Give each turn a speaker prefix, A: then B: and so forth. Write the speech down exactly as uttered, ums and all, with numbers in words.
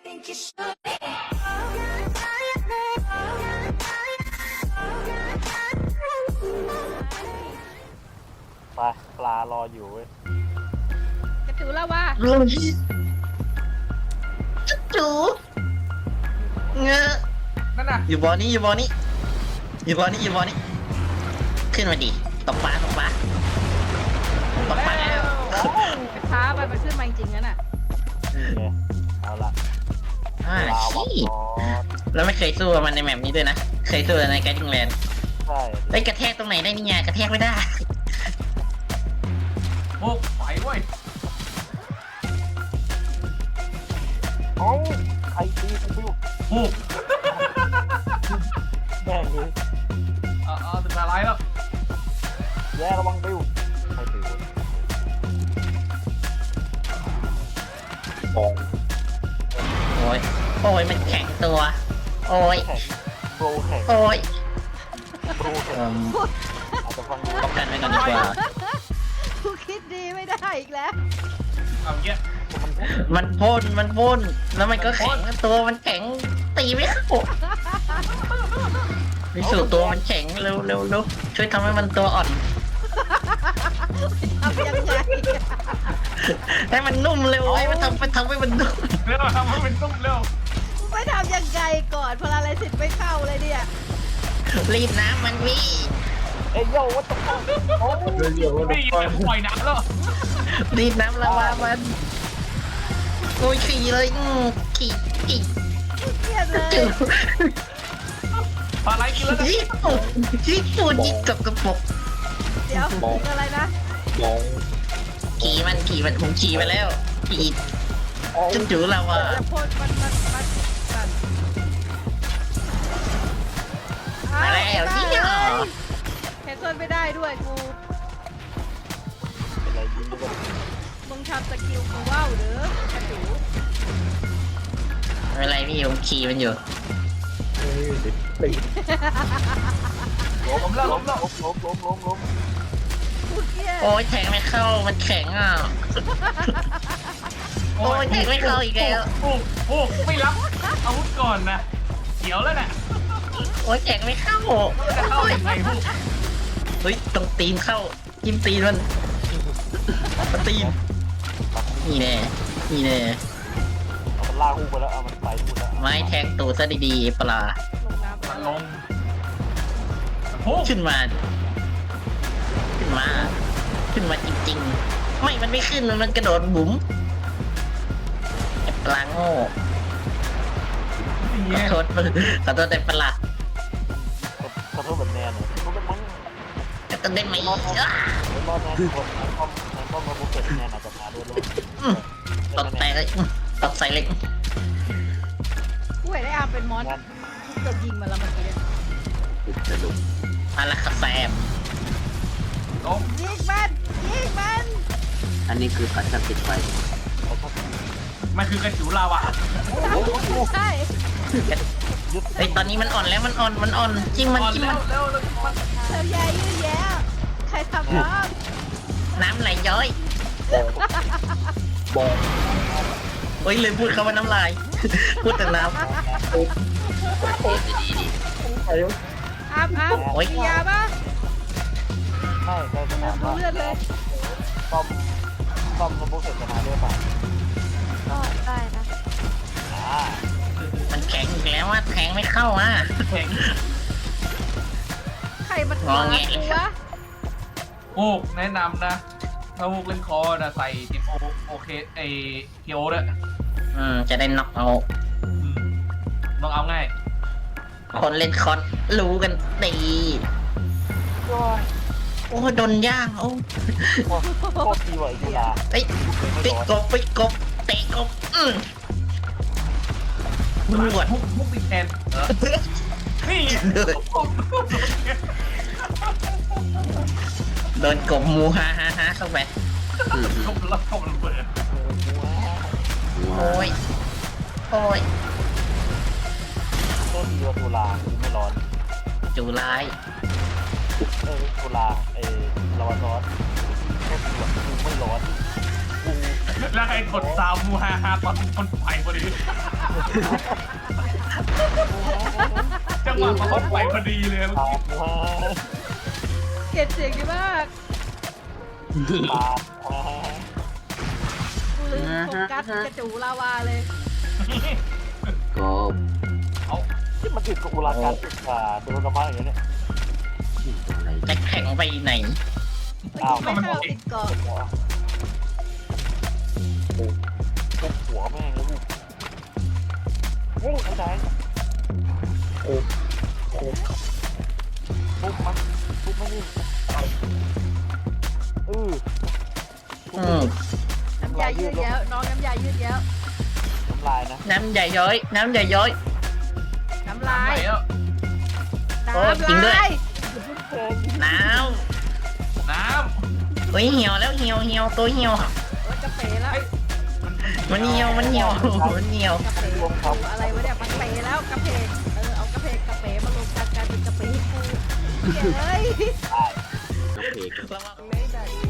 A: ไปปลารออยู่เว้ย
B: กระจูแล้วว่า
C: ลุงจูเงอะ
D: นั่นน่ะ
C: อยู่บ่อนี้อยู่บ่อนี้อยู่บ่อนี้อยู่บ่อนี้ขึ้นมาดิตกปลาตกปลาตกปลาแล้ว
B: ไปท้าไปมันขึ้นมาจริงๆนั่นน่ะ
A: นี่ไงเอาละ
C: อ่า
A: ปลาวัด
C: ชี้
A: คอ
C: แล้วไม่เคยสู้กับมันในแมปนี้ด้วยนะเคยสู้ในแกดิ้งแลนด์
A: ใช่
C: ไอ้ยกระแทกตรงไหนได้นี่ไงกระแทกไม่ได้
D: โอ้ไปเว้ย
A: เอ้าใครตีกูปิ้ว
D: โอ้
A: แม่งเลย
D: เอาเอาถึงอะไรแล้ว
A: แย่ระวังปิ้วใครปิ้วบอง
C: โอ้ยโอ้ยมันแข็งตัว โอ้ย
A: แข็งโบรแข็ง
C: โอ้ย
A: โบรแข็
C: เอิ่
A: ง
C: ม
A: อาจจะฟังดู
C: ป้องกันไว้ก่อนดีกว่า
B: กูคิดดีไม่ได้อีกแล้ว
D: เอาเงี้ย
C: มันพ่นมันพ่นแล้วมันก็แข็งตัวมันแข็งตีไม่เข้าพิสูจน์ตัวมันแข็งเร็วเร็วเร็วช่วยทำให้มันตัวอ่อน
B: ทำยังไง
C: ให้มันนุ่มเร็วให้มันทำไปทำให้มันนุ่ม
D: เร็วทำให้เป็นตุ้มเร็ว
B: ไม่ทำยังไงก่อนพลาอะไรสิทธิ์ไม่เข้าเลยเนี่ย
C: รีบน้ำมันพี่
A: เอ้ยโย่วัดตะโกนโอ้ย
D: นี่ยังปล่อยน้ำแล้ว
C: รีบน้ำละวามันโอ้ยขี่เลยอืมขี่ขี่
B: เครียดเลย
C: จู่
D: ปลาไหลกินแล้วนะ
C: ยี่ปุ่นยี่ปุ่นยี่กับกระปุก
B: เดี๋ยวถึงอะไรนะ
A: บอง
C: ขี่มันขี่มันผมขี่ไปแล้วขี่
A: โอ้ย
C: จุ๊จู่ละวา
B: จะพ่นมันมันมันมัน
C: มาแล้วนี่เหรอ
B: แคนเซิลไม่ได้ด้วยกู
A: เป็นไรยิ้มด้วย
B: มึงทำสกิลกูว่าวหรือกระจู
C: ไม่เป็นไรพี่ผมขี่มันอยู่
D: ล้มแล้วล้มแล้ว
A: ล้มล้มล้มล้มล้ม
B: กูเครียด
C: โอ้ยแทงไม่เข้ามันแข็งอ่ะโอ้ยแทงไม่เข้าอีกแล้ว
D: โอ้โอ้ไม่รับอาวุธก่อนนะเขียวแล้วน่ะ
C: โอ้ยแทงไม่เข้า
D: จะเข้ายังไงพวก
C: เฮ้ยตรงตีนเข้าจิ้มตีนมันมันตีนนี่แน่นี่แน่
A: เอามันลากอู้ไปแล้วเอามันไปอู้แล้ว
C: ไม้แทงตูดซะดีๆปลา
B: ลงน้ำไป
D: มัน
B: แล้ว
D: ลงโอ้
C: ขึ้นมา ขึ้นมา ขึ้นมาจริงๆ ไม่มันไม่ขึ้นมันมันกระโดดบุ๋มไอ้ปลาโง่
D: ย
C: ขอโทษขอโทษแต่ปลา
A: ขอโทษแบบแนนเลยเขาเป็นมั้ง
C: จะต้องได้ไหมอ้า
A: เป็นรอดแนนคนแนนป้อมแนนป้อมมาบุกเก็ตแนนอาจจะมาด้วยลูก
C: อืมตกแตกเลยอืมตกใส่เลย
B: กูเห็นไอ้อาร์มเป็นมอสกูเกือบยิงมันแล้วเมื่อกี้เนี่ย
C: อาราคาแซม
D: ล้ม
B: ยิงมันยิงมัน
E: อันนี้คือปัดจับติดไฟ
D: มันคือกระจูลาวะ
B: ใช่
C: ไอ้ยตอนนี้มันอ่อนแล้วมันอ่อนมันอ่อนจิ้มมัน
D: อ่อน
C: จิ้ม
D: แล้
C: มั
D: วน เร็วเร็วมัน
B: เธอใหญ่ยืดแย้ใครทำน้อง
C: น้ำไหลย้อย
A: บอง
C: เฮ้ยเลยพูดคำว่าน้ำลาย พูดแต่น้
A: ไอ้
B: อาร์มอาร์ม
C: โอ๊ย
B: มียาปะ
A: ไม่ใช่จะถาม
B: ดู
A: ว่า
B: เลือดเลย
A: ป้อมป้อมมาบุกเก็ตจะมาด้วยป่ะ
B: ก็ได้นะ
A: อ่า
C: ำมันแข็งอีกแล้วว่าแทงไม่เข้าอ่ะ
D: แข็ง
B: ใครมัน
C: งอแง
B: กูวะ
D: โอ้แนะนำนะถ้าพวกเล่นคอร์นะใส่ติโอโอเคไอเคียวด้วย
C: อืมจะได้น็อกเอา
D: อืมต้องเอาง่าย
C: คนเล่นคอนรู้กันดี
A: ก็
C: โอ้โดนย่างโอ้
A: โคตรดีว่ะไอ้กีฬา
C: เอ้ย
A: ไม่
C: ปิด
A: ร้อน
C: กบปิดกบเตะกบอืมรวด
D: พวกพวกติดแทนเออนี่
C: โดนกบมูฮ่าฮ่าฮ่าเข้าไป
D: กบแล้วกบระเบิด
C: โอ้ยโอ้ย
A: โคตรดีว่ะตุลาไม่ร้อน
C: จูร้าย
A: เออตุลาเออลาวาซอสโคตรดีว่ะกูไม่ร้อนกู
D: แล้วใครกดซาวมูฮาฮาตอนคนไฟพอดี
A: เอ
D: จังหวะมาเขาไปพอดีเลยเมื่อ
A: ตา
D: กี้
A: มมา
B: เกลียดเสียงดีมาก
A: ตามมา
B: กูลืมโฟกัสกระจูลาวาเลย
E: กบ
D: เอา
A: ที่มันติดกับอุราการติดขาโดนน้ำมันอย่างเงี้ย
E: อะไร
C: จะแข่งไปไหน
B: ไม่คิดไม่เข้าติดเกาะ
A: ปุ๊บหัวแม่งแล้วโอ้ยไหนโอ้โอ้ปุ๊บมันปุ๊บมันนี่เออ
C: อืม
B: น้ำยายืดแย้วน้องน้ำยายืดแย้ว
A: น้ำลายนะ
C: น้ำใหญ่ย้อย น้ำใหญ่ย้อย
B: น้ำลา
D: ไหน
B: ย
D: อ่ะ
B: น้
C: โอ้จริงด้ว
B: ำ
C: ย
B: ลาย
C: น้
D: น้
C: ำเฮ้ยเหี่ยวแล้วเหี่ยวเหี่ยวตัวเหี่ยว
B: โอ้ยกระเป๋แล้ว
C: มันเหี่ยวมันเหี่ยวมันเหี่ยว
B: กระเป๋อะไรวะเนี่ยมันเป๋แล้วกระเพกเออเอากระเพกกระเป๋มารวมกันกลายเป็นกระเป๋กูเฮ้ย
E: กระเพก
C: ระวัง
B: ไม่ได้